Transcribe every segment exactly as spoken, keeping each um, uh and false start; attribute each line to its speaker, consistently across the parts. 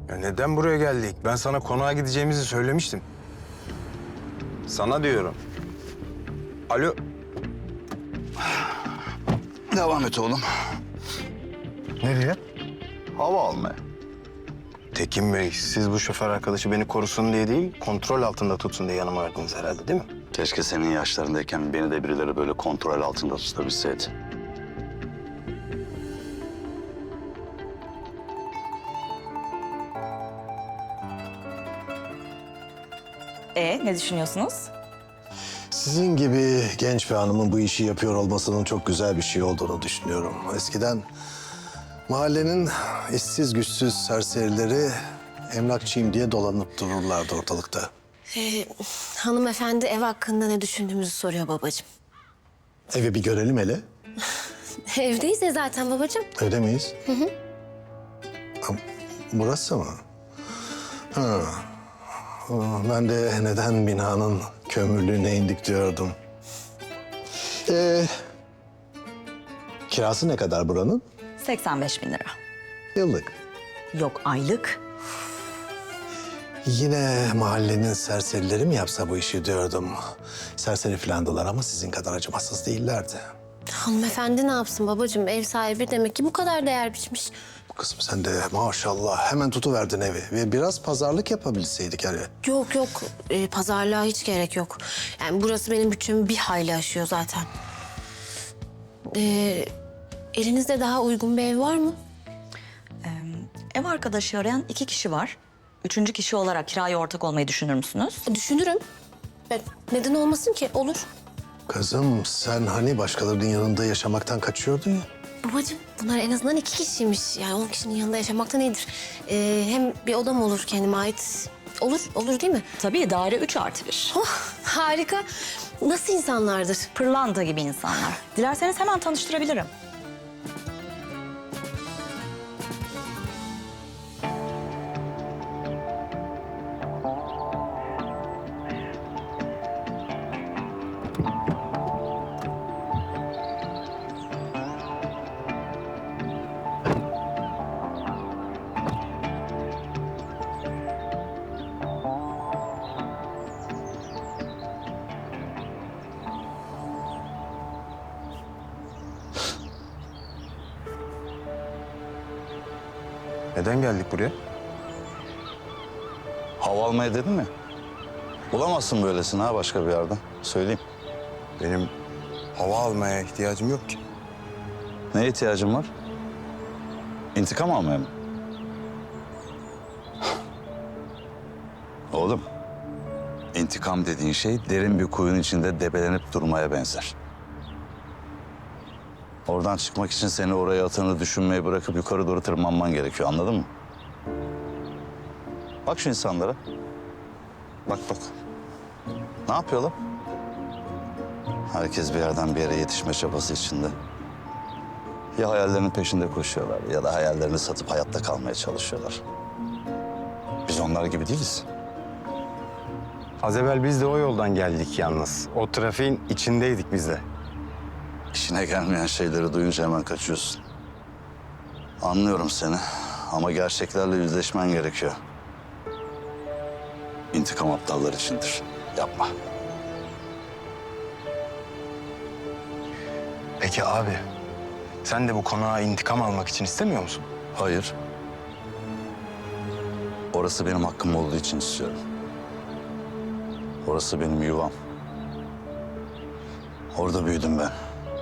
Speaker 1: Ya neden buraya geldik? Ben sana konağa gideceğimizi söylemiştim. Sana diyorum. Alo.
Speaker 2: Devam et oğlum.
Speaker 1: Nereye?
Speaker 2: Hava almaya.
Speaker 1: Tekin Bey, siz bu şoför arkadaşı beni korusun diye değil, kontrol altında tutsun diye yanıma verdiniz herhalde, değil mi?
Speaker 2: Keşke senin yaşlarındayken beni de birileri böyle kontrol altında tutabilseydi.
Speaker 3: E ne düşünüyorsunuz?
Speaker 4: Sizin gibi genç bir hanımın bu işi yapıyor olmasının çok güzel bir şey olduğunu düşünüyorum. Eskiden mahallenin işsiz güçsüz serserileri emlakçıyım diye dolanıp dururlardı ortalıkta.
Speaker 5: Ee, hanımefendi ev hakkında ne düşündüğümüzü soruyor babacığım.
Speaker 4: Evi bir görelim hele.
Speaker 5: Evdeyiz ya zaten babacığım.
Speaker 4: Öyle miyiz? Hı hı. Burası mı? Ha. Ben de neden binanın kömürlüğüne indik diyordum. Ee, kirası ne kadar buranın?
Speaker 3: seksen beş bin lira.
Speaker 4: Yıllık.
Speaker 3: Yok aylık.
Speaker 4: Yine mahallenin serserileri mi yapsa bu işi diyordum. Serseri filandılar ama sizin kadar acımasız değillerdi.
Speaker 5: Hanımefendi ne yapsın babacığım? Ev sahibi demek ki bu kadar değer biçmiş.
Speaker 4: Kızım sen de maşallah hemen tutuverdin evi. Ve biraz pazarlık yapabilseydik hani.
Speaker 5: Yok yok ee, pazarlığa hiç gerek yok. Yani burası benim bütçemi bir hayli aşıyor zaten. Ee, elinizde daha uygun bir ev var mı?
Speaker 3: Ev arkadaşı arayan iki kişi var. Üçüncü kişi olarak kiraya ortak olmayı düşünür müsünüz?
Speaker 5: Düşünürüm. Ben, neden olmasın ki? Olur.
Speaker 4: Kızım sen hani başkalarının yanında yaşamaktan kaçıyordun ya.
Speaker 5: Babacığım bunlar en azından iki kişiymiş. Yani on kişinin yanında yaşamaktan iyidir. Ee, hem bir odam olur kendime ait. Olur, olur değil mi?
Speaker 3: Tabii daire üç artı bir.
Speaker 5: Oh, harika. Nasıl insanlardır?
Speaker 3: Pırlanta gibi insanlar. Dilerseniz hemen tanıştırabilirim.
Speaker 1: Neden geldik buraya?
Speaker 2: Hava almaya dedim mi? Bulamazsın böylesini ha başka bir yerden. Söyleyeyim.
Speaker 1: Benim hava almaya ihtiyacım yok ki.
Speaker 2: Neye ihtiyacın var? İntikam almaya mı? Oğlum, intikam dediğin şey derin bir kuyunun içinde debelenip durmaya benzer. Oradan çıkmak için seni oraya atığını düşünmeyi bırakıp yukarı doğru tırmanman gerekiyor, anladın mı? Bak şu insanlara. Bak bak. Ne yapıyorlar? Herkes bir yerden bir yere yetişme çabası içinde. Ya hayallerinin peşinde koşuyorlar ya da hayallerini satıp hayatta kalmaya çalışıyorlar. Biz onlar gibi değiliz.
Speaker 1: Az evvel biz de o yoldan geldik yalnız. O trafiğin içindeydik biz de.
Speaker 2: İşine gelmeyen şeyleri duyunca hemen kaçıyorsun. Anlıyorum seni ama gerçeklerle yüzleşmen gerekiyor. İntikam aptallar içindir. Yapma.
Speaker 1: Peki abi, sen de bu konağa intikam almak için istemiyor musun?
Speaker 2: Hayır. Orası benim hakkım olduğu için istiyorum. Orası benim yuvam. Orada büyüdüm ben.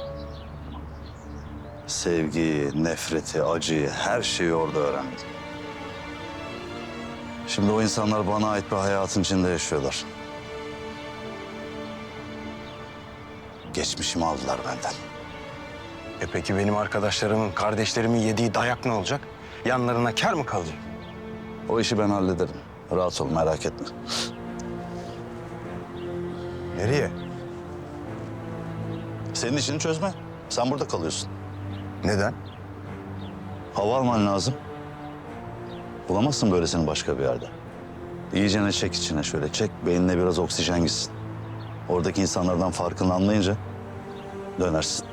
Speaker 2: Sevgiyi, nefreti, acıyı, her şeyi orada öğrendim. Şimdi o insanlar bana ait bir hayatın içinde yaşıyorlar. Geçmişimi aldılar benden.
Speaker 1: E peki benim arkadaşlarımın, kardeşlerimin yediği dayak ne olacak? Yanlarına kâr mı kalacak?
Speaker 2: O işi ben hallederim. Rahat ol, merak etme.
Speaker 1: Nereye?
Speaker 2: Senin işini çözme. Sen burada kalıyorsun.
Speaker 1: Neden?
Speaker 2: Hava alman lazım. Bulamazsın böylesini başka bir yerde. İyicene çek içine şöyle. Çek, beynine biraz oksijen gitsin. Oradaki insanlardan farkını anlayınca dönersin.